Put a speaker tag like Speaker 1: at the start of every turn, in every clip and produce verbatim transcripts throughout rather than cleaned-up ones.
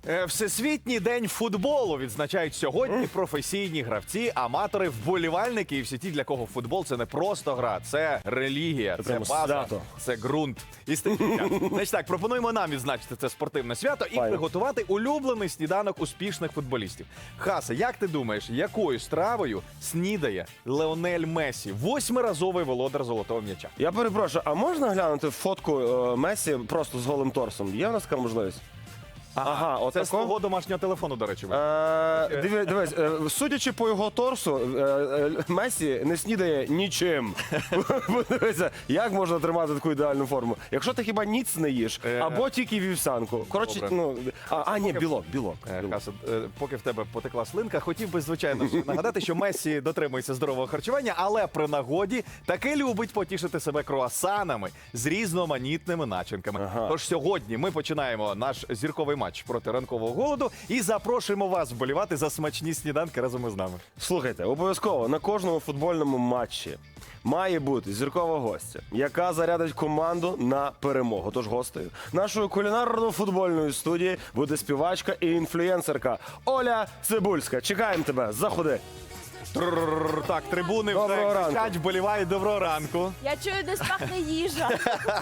Speaker 1: Е, Всесвітній день футболу відзначають сьогодні професійні гравці, аматори, вболівальники і всі ті, для кого футбол – це не просто гра, це релігія, це,
Speaker 2: прямо
Speaker 1: база,
Speaker 2: свято.
Speaker 1: це ґрунт. І стихія. Значить так, пропонуємо нам відзначити це спортивне свято і
Speaker 2: Файно.
Speaker 1: приготувати улюблений сніданок успішних футболістів. Хаса, як ти думаєш, якою стравою снідає Леонель Месі, восьмиразовий володар золотого м'яча?
Speaker 2: Я перепрошую, а можна глянути фотку е, Месі просто з голим торсом? Є в нас така можливість? Ага, от
Speaker 1: Це з
Speaker 2: тако?
Speaker 1: твого домашнього телефону, до речі.
Speaker 2: Е, диви- Дивись, е, судячи по його торсу, е, е, Месі не снідає нічим. Подивися, як можна тримати таку ідеальну форму? Якщо ти хіба ніц не їш,
Speaker 1: Е,
Speaker 2: або тільки вівсянку. Коротше,
Speaker 1: добре.
Speaker 2: ну, а, а ні, білок, білок.
Speaker 1: Е,
Speaker 2: білок.
Speaker 1: Хаса, е, поки в тебе потекла слинка, хотів би, звичайно, ж нагадати, що Месі дотримується здорового харчування, але при нагоді таки любить потішити себе круасанами з різноманітними начинками.
Speaker 2: Ага.
Speaker 1: Тож сьогодні ми починаємо наш зірковий матч проти ранкового голоду і запрошуємо вас вболівати за смачні сніданки разом із нами.
Speaker 2: Слухайте, обов'язково на кожному футбольному матчі має бути зіркова гостя, яка зарядить команду на перемогу. Тож гостею нашої кулінарно-футбольної студії буде співачка і інфлюєнсерка Оля Цибульська. Чекаємо тебе, заходи.
Speaker 1: Трррррр. Так, трибуни
Speaker 2: Доброго
Speaker 1: вже
Speaker 2: ранку.
Speaker 1: кричать, вболівають. Доброго ранку.
Speaker 3: Я чую, десь пахне їжа.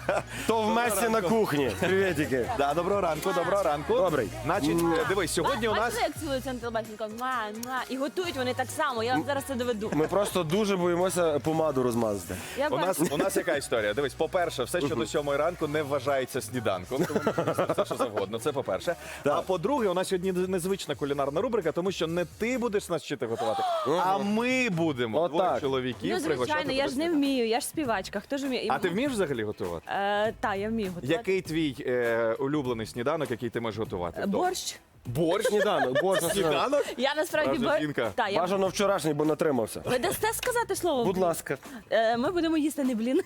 Speaker 2: То в Месі на кухні. Привітики.
Speaker 1: Да, доброго ранку, доброго ранку.
Speaker 2: Добрий.
Speaker 1: Значить, е, дивись, сьогодні у нас...
Speaker 3: Бачите, як цілуються на телебаченні? Муа, муа. І готують вони так само. Я вам зараз це доведу.
Speaker 2: Ми просто дуже боїмося помаду розмазати.
Speaker 3: Я
Speaker 1: У нас,
Speaker 3: бачу.
Speaker 1: у нас яка історія? Дивись, по-перше, все, що до сьомої ранку не вважається сніданком. Тому можна все, що завгодно. Це по-перше. А по-друге, у нас сьогодні незвична кулінарна рубрика, тому що не ти будеш нас вчити готувати, а ми будемо.
Speaker 2: Отак.
Speaker 1: Двоє чоловіків
Speaker 3: Ну, звичайно,
Speaker 1: пригощати
Speaker 3: я
Speaker 1: тебе
Speaker 3: ж не
Speaker 1: сніданком.
Speaker 3: вмію, я ж співачка. Хто ж вміє? І
Speaker 1: А
Speaker 3: м-
Speaker 1: ти вмієш взагалі готувати?
Speaker 3: Е, та, я вмію готувати.
Speaker 1: Який твій е, улюблений сніданок, який ти можеш готувати?
Speaker 3: Е, Борщ.
Speaker 1: Борщ?
Speaker 2: Сніданок, борщ на сніданок.
Speaker 1: Сніданок?
Speaker 3: Я насправді
Speaker 1: Справжня
Speaker 3: бор...
Speaker 1: жінка.
Speaker 3: Та, я...
Speaker 2: Бажано вчорашній, бо натримався.
Speaker 3: Ви дасте сказати слово?
Speaker 2: Будь ласка.
Speaker 3: Е, Ми будемо їсти не блін,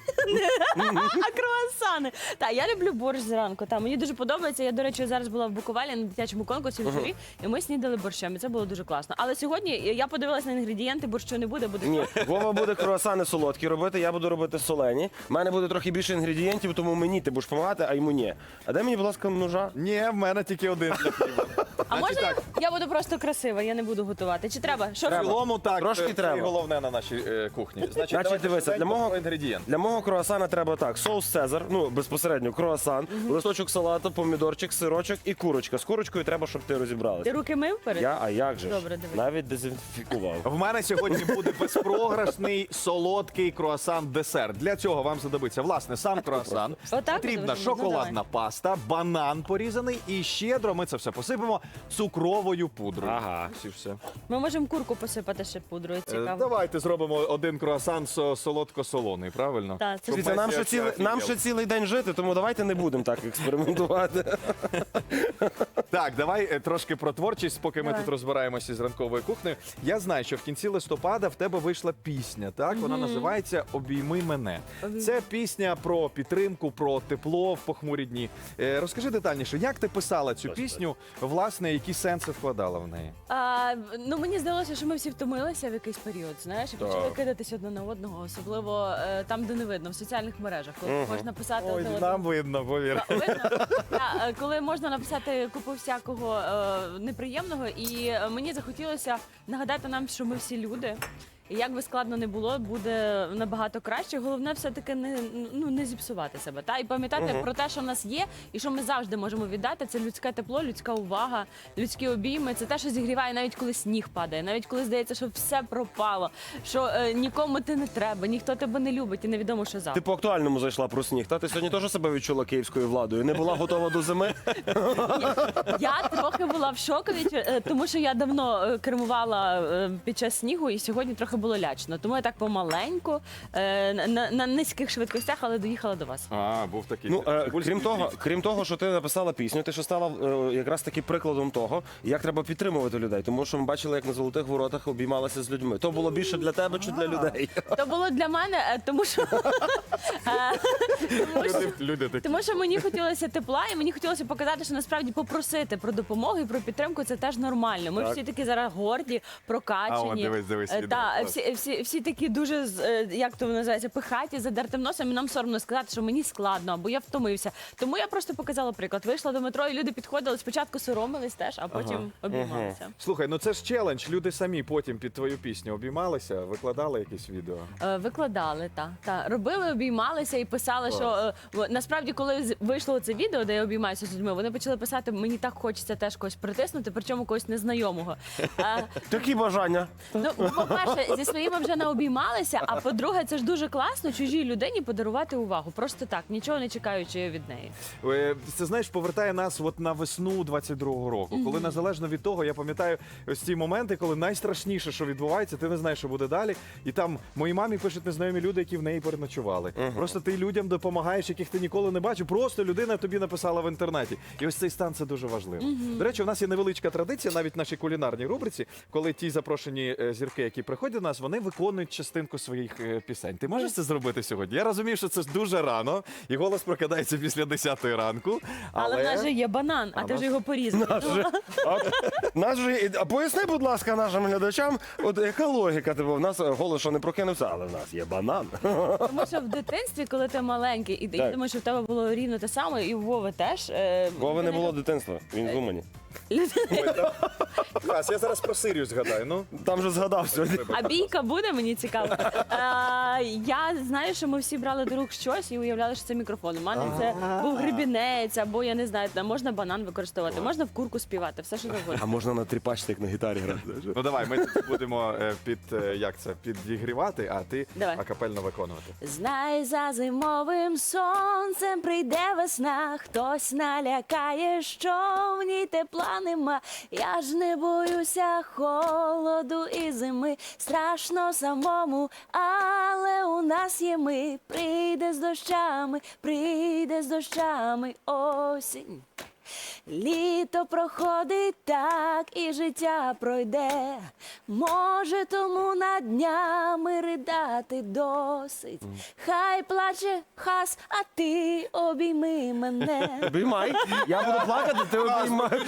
Speaker 3: а круасани. Та, я люблю борщ зранку. Та, мені дуже подобається. Я, до речі, зараз була в Буковелі на дитячому конкурсі в журі, і ми снідали борщем. І це було дуже класно. Але сьогодні я подивилася на інгредієнти, борщу не буде, буде
Speaker 2: Ні, Вова буде круасани солодкі робити, я буду робити солені. У мене буде трохи більше інгредієнтів, тому мені ти будеш допомагати, а йому ні. А дай мені, будь ласка, ножа.
Speaker 1: Ні, в мене тільки один для хліба.
Speaker 3: А можна я, я буду просто красива, я не буду готувати? Чи треба? Що
Speaker 1: В цілому так,
Speaker 2: Трошки
Speaker 1: це
Speaker 2: треба.
Speaker 1: головне на нашій е, кухні. Значить,
Speaker 2: Значить,
Speaker 1: давайте
Speaker 2: дивися, для
Speaker 1: швиденько
Speaker 2: мого,
Speaker 1: про інгредієнти.
Speaker 2: для мого круасана треба так: соус Цезар, ну безпосередньо круасан, листочок салату, помідорчик, сирочок і курочка. З курочкою треба, щоб ти розібралася.
Speaker 3: Ти руки мив перед?
Speaker 2: Я, а як же? ж?
Speaker 3: Добре, дивись.
Speaker 2: Навіть дезінфікував.
Speaker 1: В мене сьогодні буде безпрограшний солодкий круасан-десерт. Для цього вам знадобиться, власне, сам круасан.
Speaker 3: Отак
Speaker 1: Потрібна
Speaker 3: буде? Ну,
Speaker 1: шоколадна
Speaker 3: давай.
Speaker 1: паста, банан порізаний і щедро ми це все посипемо цукровою пудрою.
Speaker 2: Ага.
Speaker 1: Ось і все.
Speaker 3: Ми можемо курку посипати ще пудрою,
Speaker 1: Е,
Speaker 3: цікаво.
Speaker 1: Давайте зробимо один круасан со- солодко-солоний, правильно?
Speaker 3: Так, це
Speaker 1: Щоб
Speaker 2: Дивіться, нам
Speaker 1: Месі
Speaker 2: ще, цілий,
Speaker 1: офігел.
Speaker 2: нам ще цілий день жити, тому давайте не будемо так експериментувати.
Speaker 1: Так, давай е, трошки про творчість, поки ми
Speaker 3: Давай.
Speaker 1: тут розбираємося з ранковою кухнею. Я знаю, що в кінці листопада в тебе вийшла пісня, так? Вона називається «Обійми мене».
Speaker 3: Обійми.
Speaker 1: Це пісня про підтримку, про тепло в похмурі дні. Е, Розкажи детальніше, як ти писала цю пісню, власне, які сенси вкладала в неї?
Speaker 3: А, ну мені здалося, що ми всі втомилися в якийсь період, знаєш, і
Speaker 1: Так.
Speaker 3: почали кидатись одне на одного, особливо е, там, де не видно, в соціальних мережах, коли можна писати
Speaker 1: Ой,
Speaker 3: одне
Speaker 1: нам
Speaker 3: одному.
Speaker 1: видно, повір.
Speaker 3: Та, видно? Та, е, коли можна написати купу всякого е, неприємного, і е, мені захотілося нагадати нам, що ми всі люди. І як би складно не було, буде набагато краще. Головне все-таки не, ну, не зіпсувати себе. Та? І пам'ятати про те, що в нас є, і що ми завжди можемо віддати. Це людське тепло, людська увага, людські обійми. Це те, що зігріває, навіть коли сніг падає, навіть коли здається, що все пропало, що е, нікому ти не треба, ніхто тебе не любить і невідомо, що завтра.
Speaker 2: Ти по актуальному зайшла про сніг. Та ти сьогодні теж себе відчула київською владою. Не була готова до зими.
Speaker 3: Я трохи була в шокові, е, тому що я давно е, кермувала е, під час снігу, і сьогодні трохи було лячно. Тому я так помаленьку, е, на, на, на низьких швидкостях, але доїхала до вас.
Speaker 1: А, був такий.
Speaker 2: Ну, е,
Speaker 1: Цибульський
Speaker 2: крім того,
Speaker 1: світ.
Speaker 2: крім того, що ти написала пісню, ти ще стала е, якраз таки прикладом того, як треба підтримувати людей. Тому що ми бачили, як на золотих воротах обіймалася з людьми. То було більше для тебе чи для людей?
Speaker 3: То було для мене, е, тому що, е, тому що
Speaker 1: Люди, люди такі.
Speaker 3: Тому що мені хотілося тепла, і мені хотілося показати, що насправді попросити про допомогу і про підтримку це теж нормально. Ми
Speaker 2: Так.
Speaker 3: всі такі зараз горді,
Speaker 1: А,
Speaker 3: прокачані.
Speaker 1: от дивись, дивись,
Speaker 3: Е,
Speaker 1: відео.
Speaker 3: Та,
Speaker 1: Клас.
Speaker 3: всі, всі, всі такі дуже, з- е, як то називається, пихаті, задертим носом, і нам соромно сказати, що мені складно, або я втомився. Тому я просто показала приклад. Вийшла до метро, і люди підходили, спочатку соромились теж, а потім обіймалися.
Speaker 1: Слухай, ну це ж челендж. Люди самі потім під твою пісню обіймалися, викладали якісь відео.
Speaker 3: Е, Викладали, так. Та. Робили, обіймалися і писали, що е, в- насправді, коли з- вийшло це відео, де я обіймаюся з людьми, вони почали писати, мені так хочеться теж когось притиснути, причому когось незнайомого. Е,
Speaker 2: Такі бажання.
Speaker 3: Ну, по-перше, зі своїми вже не обіймалися, а по-друге, це ж дуже класно чужій людині подарувати увагу. Просто так, нічого не чекаючи від неї.
Speaker 1: Е, Це, знаєш, повертає нас от на весну двадцять другого року, коли незалежно від того, я пам'ятаю ось ці моменти, коли найстрашніше, що відбувається, ти не знаєш, що буде далі. І там моїй мамі пишуть незнайомі люди, які в неї переночували. Просто ти людям допомагаєш, яких ти ніколи не бачив. Просто людина тобі написала в інтернеті. І ось цей стан це дуже важливо. До речі, у нас є невеличка традиція, навіть в нашій кулінарній рубриці, коли ті запрошені е, зірки, які приходять до нас, вони виконують частинку своїх е, пісень. Ти можеш це зробити сьогодні? Я розумію, що це дуже рано, і голос прокидається після десятої ранку.
Speaker 3: Але,
Speaker 1: Але,
Speaker 3: в нас же є банан, а, ти ж його порізав.
Speaker 2: Наш же, а поясни, будь ласка, нашим глядачам, от яка логіка? Типу, в нас голос що не прокинувся, але в нас є банан.
Speaker 3: Тому що в дитинстві, коли ти маленький, і я
Speaker 2: Так.
Speaker 3: думаю, що в тебе було рівно те саме, і у Вови теж. е,
Speaker 2: Вови не
Speaker 3: людина-
Speaker 2: було дитинства, він з Умані.
Speaker 1: Клас, я зараз про Сирію згадаю. Ну,
Speaker 2: Там же згадав сьогодні.
Speaker 3: А бійка буде, мені цікаво. Е, я знаю, що ми всі брали до рук щось і уявляли, що це мікрофон. У мене це був гребінець, або я не знаю, там можна банан використовувати, можна в курку співати, все що завгодно.
Speaker 2: А можна на тріпачці, як на гітарі грати.
Speaker 1: ну давай, ми тут будемо е, під е, як це підігрівати, а ти
Speaker 3: Давай.
Speaker 1: акапельно виконувати.
Speaker 3: Знай, за зимовим сонцем прийде весна, хтось налякає, що в ній тепла нема. Я ж не боюся холоду і зими, страшно самому, але у нас є ми. Прийде з дощами, прийде з дощами осінь. Літо проходить так, і життя пройде. Може, тому над днями ридати досить. Хай плаче хас, а ти обійми мене.
Speaker 2: Обіймай. Я буду плакати, ти обіймай.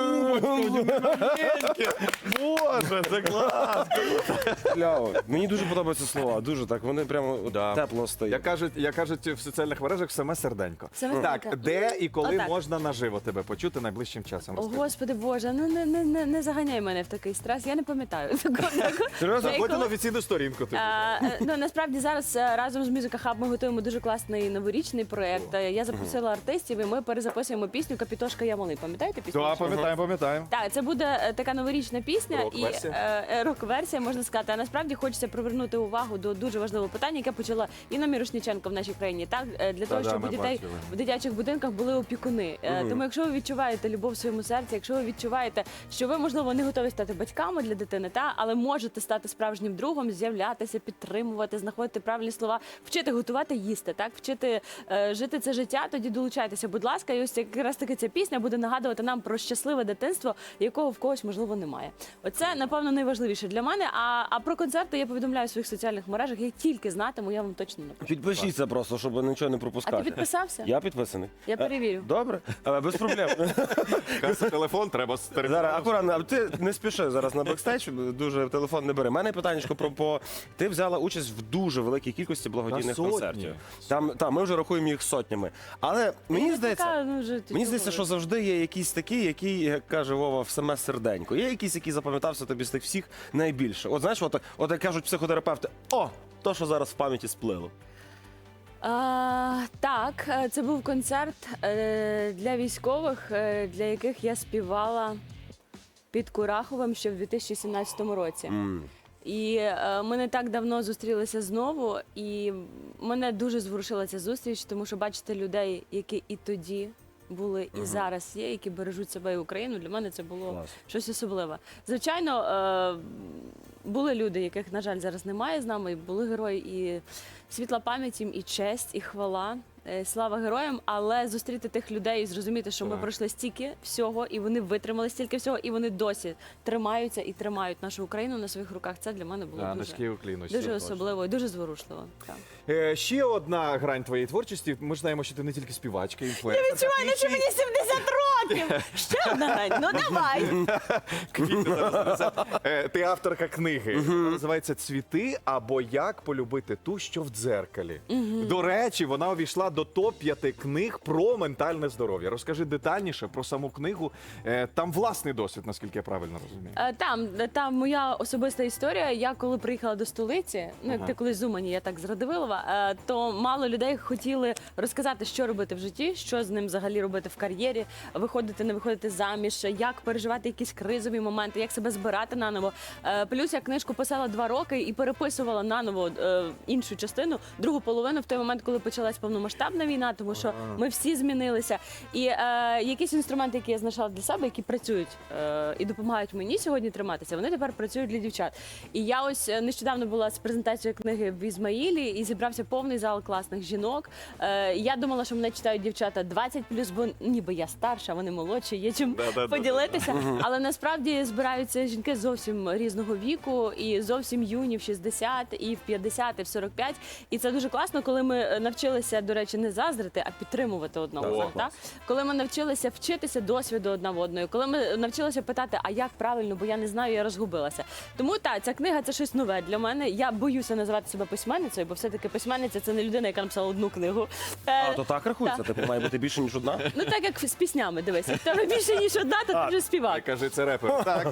Speaker 1: Боже, це клас!
Speaker 2: Кляво. Мені дуже подобаються слова, дуже так. Вони прямо от
Speaker 1: Да.
Speaker 2: тепло стоять.
Speaker 1: Як кажуть, як кажуть в соціальних мережах, саме серденько.
Speaker 3: Саме
Speaker 1: Так,
Speaker 3: серденько.
Speaker 1: де і коли
Speaker 3: Отак.
Speaker 1: можна наживо тебе почути найближчим часом?
Speaker 3: О,
Speaker 1: Розкажи.
Speaker 3: Господи Боже, ну не, не, не, не заганяй мене в такий стрес, я не пам'ятаю. Такого- такого.
Speaker 2: Серйозно?
Speaker 3: Я
Speaker 1: Заходь на
Speaker 3: коли-
Speaker 1: офіційну сторінку. Ти.
Speaker 3: А, е, ну насправді зараз е, разом з Music Hub ми готуємо дуже класний новорічний проєкт. Е, Я запросила артистів, і ми перезаписуємо пісню Капітошка я малий. Пам'ятаєте пісню?
Speaker 1: Так, пам'ятаємо, пам'ятаємо.
Speaker 3: Так, це буде е, така новорічна пісня і
Speaker 1: Рок-версія.
Speaker 3: е, е, рок-версія, можна сказати. А насправді хочеться привернути увагу до дуже важливого питання, яке почала Інна Мірошниченко в нашій країні. Так, е, для того,
Speaker 1: Та-да,
Speaker 3: щоб
Speaker 1: ми
Speaker 3: у дітей
Speaker 1: бачили.
Speaker 3: в дитячих будинках були опікуни. Е, Тому, якщо ви відчуваєте любов в своєму серці, якщо ви відчуваєте, що ви можливо не готові стати батьками для дитини, та але можете стати справжнім другом, з'являтися, підтримувати, знаходити правильні слова, вчити готувати, їсти, так вчити е, жити це життя. Тоді долучайтеся, будь ласка, і ось якраз таки ця пісня буде нагадувати нам про щасливе дитинство, якого в когось можливо немає. Оце напевно найважливіше для мене. А, а про концерти я повідомляю в своїх соціальних мережах. Я тільки знатиму, я вам точно напишу.
Speaker 2: Підпишіться просто, щоб нічого не пропускати.
Speaker 3: А ти підписався?
Speaker 2: Я підписаний.
Speaker 3: Я перевірю.
Speaker 2: Е, Добре, Е, без проблем.
Speaker 1: Каса телефон, треба з телефону.
Speaker 2: Зараз акуратно, а ти не спіши зараз на бекстейдж, дуже телефон не бери. У мене питання про по ти взяла участь в дуже великій кількості благодійних
Speaker 1: Та сотні.
Speaker 2: концертів. Там та ми вже рахуємо їх сотнями. Але мені
Speaker 3: Я
Speaker 2: здається,
Speaker 3: така, ну, вже
Speaker 2: мені здається, що завжди є якісь такі, які, як каже Вова, в саме серденько. Є якісь, які запам'ятався тобі з тих всіх найбільше. От знаєш, от, от як кажуть психотерапевти, о, то, що зараз в пам'яті сплило.
Speaker 3: А, так, е, це був концерт е, для військових, е, для яких я співала під Кураховим ще в дві тисячі сімнадцятому році.
Speaker 2: М.
Speaker 3: І е, ми не так давно зустрілися знову, і мене дуже зворушила ця зустріч, тому що бачити людей, які і тоді були, і зараз є, які бережуть себе і Україну. Для мене це було
Speaker 2: Клас.
Speaker 3: щось особливе. Звичайно, е, були люди, яких, на жаль, зараз немає з нами, і були герої, і світла пам'ять їм, і честь, і хвала. Е, Слава героям, але зустріти тих людей і зрозуміти, що ми
Speaker 1: Так.
Speaker 3: пройшли стільки всього, і вони витримали стільки всього, і вони досі тримаються і тримають нашу Україну на своїх руках. Це для мене було
Speaker 1: Да,
Speaker 3: дуже,
Speaker 1: низький уклін.
Speaker 3: дуже особливо і дуже зворушливо. Так.
Speaker 1: Е, ще одна грань твоєї творчості. Ми ж знаємо, що ти не тільки співачка, інфлюенсерка.
Speaker 3: Відчуваю,
Speaker 1: ти
Speaker 3: що
Speaker 1: ще й-
Speaker 3: мені сімдесят років. Ще одна грань. Ну давай.
Speaker 1: Квіти зараз несе. Е, Ти авторка книги. Вона називається «Цвіти або як полюбити ту, що в дзеркалі». До речі, вона увійшла до топ п'яти книг про ментальне здоров'я. Розкажи детальніше про саму книгу. Е, Там власний досвід, наскільки я правильно розумію.
Speaker 3: Е, Там, там моя особиста історія. Я коли приїхала до столиці, ну як
Speaker 1: Ага.
Speaker 3: ти колись з Умані, я так з Радивилова, е, то мало людей хотіли розказати, що робити в житті, що з ним взагалі робити в кар'єрі, виходити, не виходити заміж, як переживати якісь кризові моменти, як себе збирати наново. Е, Плюс я книжку писала два роки і переписувала наново е, іншу частину, другу половину в той момент, коли почалась повномасштабна війна, тому що ми всі змінилися. І е, якісь інструменти, які я знайшла для себе, які працюють е, і допомагають мені сьогодні триматися, вони тепер працюють для дівчат. І я ось е, нещодавно була з презентацією книги в Ізмаїлі і зібрався повний зал класних жінок. Е, я думала, що мене читають дівчата двадцять плюс, бо ніби я старша, вони молодші, є чим
Speaker 1: Да-да-да-да-да.
Speaker 3: поділитися. Але насправді збираються жінки зовсім різного віку і зовсім юні в шістдесят, і в п'ятдесят, і в сорок п'ять. І це дуже класно, коли ми навчилися, до речі, не заздрити, а підтримувати одного
Speaker 1: О,
Speaker 3: одного. Так? Коли ми навчилися вчитися досвіду одна в одної, коли ми навчилися питати, а як правильно, бо я не знаю, я розгубилася. Тому так, ця книга це щось нове для мене. Я боюся називати себе письменницею, бо все-таки письменниця це не людина, яка написала одну книгу. Е,
Speaker 2: А, то так рахується?
Speaker 3: так.
Speaker 2: Типу має бути більше, ніж одна?
Speaker 3: Ну так як з піснями, дивись. В тебе більше, ніж одна, то ти
Speaker 2: А,
Speaker 3: вже співак.
Speaker 1: Кажи, це репер. Так.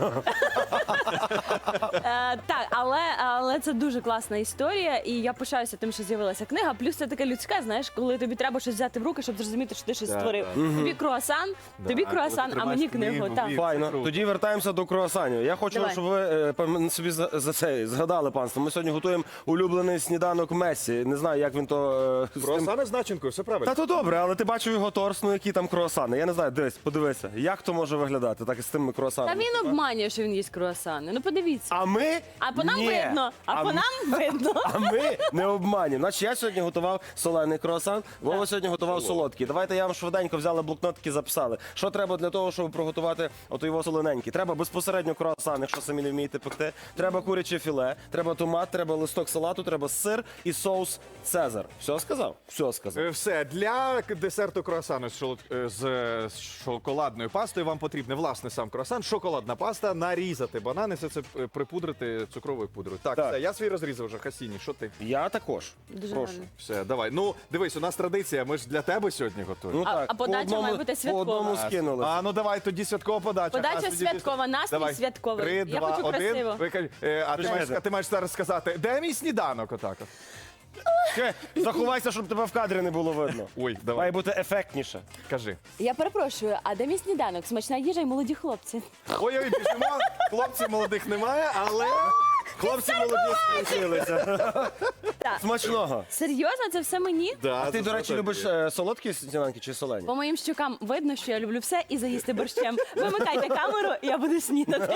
Speaker 3: Е, так, але, але це дуже класна історія, і я пишаюся тим, що з'явилася книга. Плюс це таке людське, знаєш, коли тобі треба щось взяти в руки, щоб зрозуміти, що ти щось
Speaker 1: Так,
Speaker 3: створив.
Speaker 1: так.
Speaker 3: Тобі круасан, тобі
Speaker 1: коли
Speaker 3: круасан,
Speaker 1: ти
Speaker 3: а мені
Speaker 1: тримаєш
Speaker 3: книгу.
Speaker 1: книгу,
Speaker 3: Так.
Speaker 1: вір.
Speaker 2: Файно.
Speaker 1: круто.
Speaker 2: Тоді вертаємося до круасанів. Я хочу,
Speaker 3: Давай.
Speaker 2: щоб ви е, пам- собі за, за це згадали, панство. Ми сьогодні готуємо улюблений сніданок Месі. Не знаю, як він то е, з тим...
Speaker 1: Круасани з начинкою, все правильно.
Speaker 2: Та то добре, але ти бачив його торс, ну які там круасани. Я не знаю, дивись, подивися, як то може виглядати так і з тими
Speaker 3: Та
Speaker 2: круасанами.
Speaker 3: він обманює, що він їсть круасани. Ну подивіться.
Speaker 2: А ми
Speaker 3: А по нам
Speaker 2: Ні.
Speaker 3: видно, а, по
Speaker 2: м-
Speaker 3: нам видно.
Speaker 2: А ми не обманюємо. Значить, я сьогодні готував солений круасан, Вова сьогодні готував солодкий. Давайте я вам швиденько взяли блокнотики, записали. Що треба для того, щоб приготувати ото його солоненький? Треба безпосередньо круасан, якщо самі не вмієте пекти. Треба куряче філе, треба томат, треба листок салату, треба сир і соус Цезар. Все сказав? Все сказав.
Speaker 1: Е, Все, для к- десерту круасану з, шолод- е, з е, з шоколадною пастою вам потрібне, власне, сам круасан, шоколадна паста, нарізати банани, все це е, припудрити цукровою пудрою. Так,
Speaker 2: Так.
Speaker 1: все, я свій розрізав вже, Хасіні, що ти?
Speaker 2: Я також.
Speaker 3: Дуже
Speaker 2: Прошу.
Speaker 3: гарно.
Speaker 1: Все, давай. Ну, дивись, у нас традиція, ми ж для тебе сьогодні готуємо.
Speaker 2: Ну
Speaker 3: А-
Speaker 2: так,
Speaker 3: а подача
Speaker 2: по одному,
Speaker 3: має бути
Speaker 2: по
Speaker 3: святкова.
Speaker 2: одному скинули.
Speaker 1: А ну давай тоді святкова подача.
Speaker 3: Подача
Speaker 1: А, тоді-
Speaker 3: святкова, настрій
Speaker 1: Давай.
Speaker 3: святковий.
Speaker 1: Три,
Speaker 3: Я
Speaker 1: два,
Speaker 3: хочу
Speaker 1: один.
Speaker 3: красиво.
Speaker 1: Ви кажете, е, а ти
Speaker 2: Почекайте.
Speaker 1: маєш, а ти маєш зараз сказати, де мій сніданок отак? от?
Speaker 2: Ще, заховайся, щоб тебе в кадрі не було видно.
Speaker 1: Ой, давай,
Speaker 2: Має бути ефектніше.
Speaker 1: кажи.
Speaker 3: Я перепрошую, а де мій сніданок? Смачна їжа і молоді хлопці.
Speaker 1: Ой-ой, біжимо, хлопців молодих немає, але...
Speaker 2: Хлопці молоді скінчилися.
Speaker 3: Так.
Speaker 2: Смачного.
Speaker 3: Серйозно, це все мені?
Speaker 1: Да,
Speaker 2: А ти,
Speaker 1: це
Speaker 2: до речі,
Speaker 1: все
Speaker 2: любиш
Speaker 1: тобі.
Speaker 2: е, солодкі сніданки чи солені?
Speaker 3: По моїм щукам видно, що я люблю все і заїсти борщем. Вимикайте камеру, я буду снідати.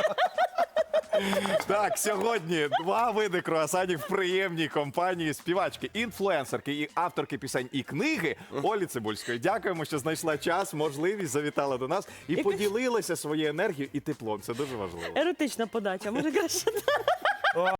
Speaker 1: Так, сьогодні два види круасанів в приємній компанії співачки, інфлюенсерки і авторки пісень і книги Олі Цибульської. Дякуємо, що знайшла час, можливість, завітала до нас і поділилася своєю енергією і теплом. Це дуже важливо.
Speaker 3: Еротична подача, може краще.